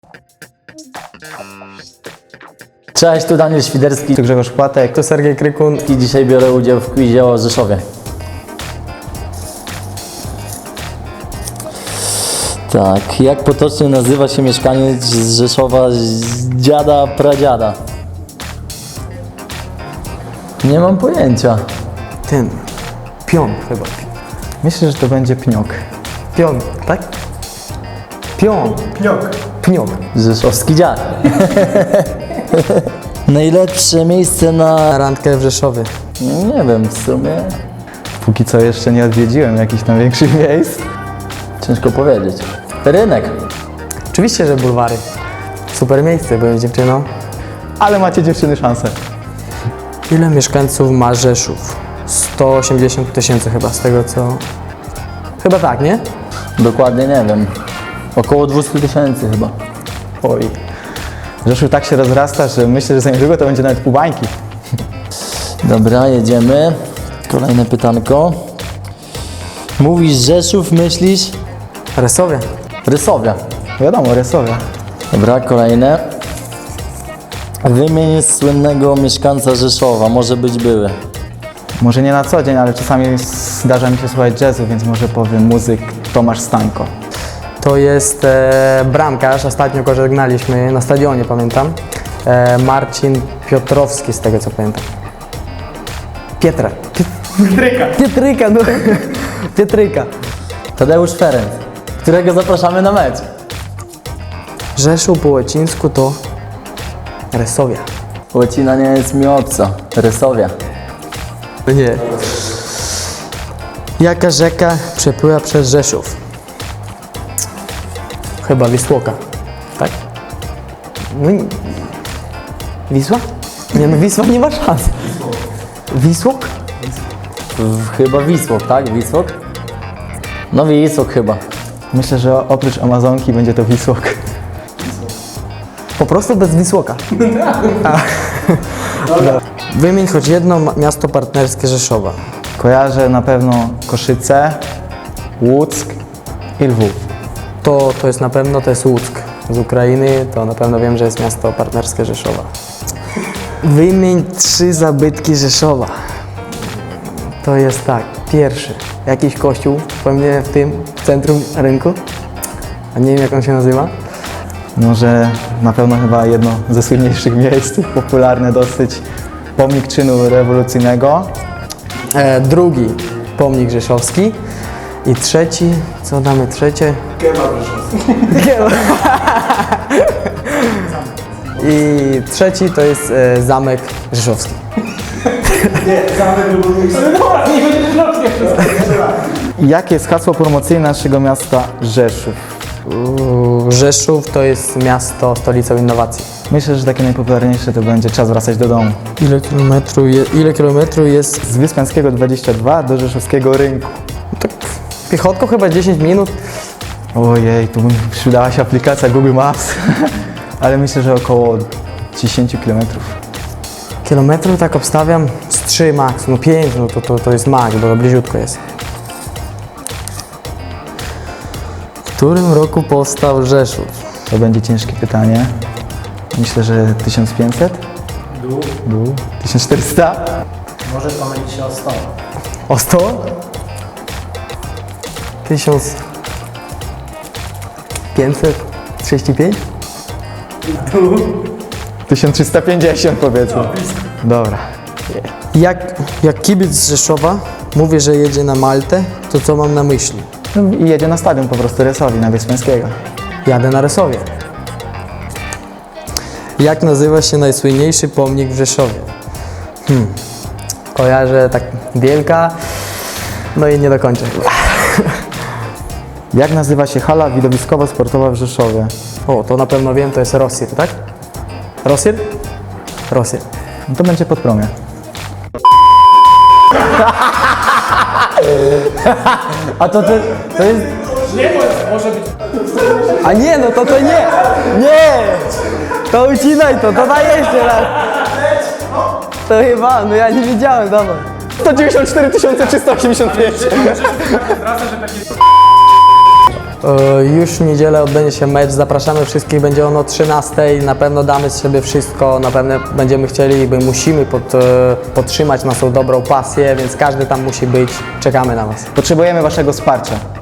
Cześć, tu Daniel Świderski, Tu Grzegorz Płatek. To Sergiej Krykun. i dzisiaj biorę udział w quizie o Rzeszowie. Tak, jak potocznie nazywa się mieszkaniec z Rzeszowa z dziada pradziada? Nie mam pojęcia. Ten. Pion chyba. Myślę, że to będzie Pniok. Pion, tak? Pion. Pniok. Rzeszowski dziad. Najlepsze miejsce na... Randkę w Rzeszowie. Nie wiem, w sumie Póki co jeszcze nie odwiedziłem jakichś tam większych miejsc. ciężko powiedzieć. Rynek. Oczywiście, że bulwary. Super miejsce, byłem z dziewczyną. Ale macie dziewczyny szansę. Ile mieszkańców ma Rzeszów? 180 000 chyba, z tego co... Chyba tak, nie? Dokładnie nie wiem. Około 200 000 chyba. Oj. Rzeszów tak się rozrasta, że myślę, że za niedługo to będzie nawet pół bańki. Dobra, jedziemy. Kolejne pytanko. Mówisz Rzeszów, myślisz? Resowie. Rysowia. Wiadomo, Resowia. Dobra, kolejne. Wymień słynnego mieszkańca Rzeszowa, może być były. Może nie na co dzień, ale czasami zdarza mi się słuchać jazzu, więc może powiem muzyk Tomasz Stańko. To jest bramkarz, ostatnio go żegnaliśmy na stadionie, pamiętam. Marcin Piotrowski, z tego co pamiętam. Pietryka, no. Pietryka. Tadeusz Ferenc, którego zapraszamy na mecz. Rzeszów po łacińsku to Resowia. Łacina nie jest mi obca. Rysowia. Nie. Jaka rzeka przepływa przez Rzeszów? Chyba Wisłoka. Tak? No i... Wisła? Nie no, Wisła nie ma szans. Wisłok? Chyba Wisłok, tak? Wisłok? No Wisłok chyba. Myślę, że oprócz Amazonki będzie to Wisłok. Po prostu bez Wisłoka. Wymień choć jedno miasto partnerskie Rzeszowa. Kojarzę na pewno Koszyce, Łuck i Lwów. To jest na pewno, to jest Łuck. Z Ukrainy to na pewno wiem, że jest miasto partnerskie Rzeszowa. Wymień 3 zabytki Rzeszowa. To jest tak, pierwszy, jakiś kościół, pewnie w tym centrum rynku, a nie wiem jak on się nazywa. Może na pewno chyba jedno ze słynniejszych miejsc, popularne dosyć, pomnik czynu rewolucyjnego. Drugi, pomnik rzeszowski. I trzeci, co damy trzecie? Kebab rzeszowski. I trzeci to jest zamek rzeszowski. Jakie jest hasło promocyjne naszego miasta Rzeszów? Rzeszów to jest miasto, stolicą innowacji. Myślę, że takie najpopularniejsze to będzie czas wracać do domu. Ile kilometrów jest? Z Wyspiańskiego 22 do Rzeszowskiego Rynku. Tak, piechotką chyba 10 minut. Ojej, tu by przydała się aplikacja Google Maps, ale myślę, że około 10 km. Kilometrów tak obstawiam z 3 max, no 5, no to jest max, bo to bliziutko jest. W którym roku powstał Rzeszów? To będzie ciężkie pytanie. Myślę, że 1500? Dół. 1400? Może pomylić się o 100. O 100? 1535? 1350 powiedzmy. Dobra. Jak kibic z Rzeszowa mówię, że jedzie na Maltę, to co mam na myśli? No i jedzie na stadion po prostu Resowi, na Wyspiańskiego. Jadę na Resowie. Jak nazywa się najsłynniejszy pomnik w Rzeszowie? Kojarzę tak Wielka, no i nie dokończę chyba. Jak nazywa się hala widowiskowo-sportowa w Rzeszowie? O, to na pewno wiem, to jest Rosir, tak? Rosir? Rosir. No to będzie Podpromie. A to jest... A nie, no to nie! Nie! To ucinaj to daj jeszcze raz! To chyba, no ja nie wiedziałem, dawaj. 194 385. Już w niedzielę odbędzie się mecz, zapraszamy wszystkich, będzie on o 13:00, na pewno damy z siebie wszystko, na pewno będziemy chcieli, musimy podtrzymać naszą dobrą pasję, więc każdy tam musi być, czekamy na Was. Potrzebujemy Waszego wsparcia.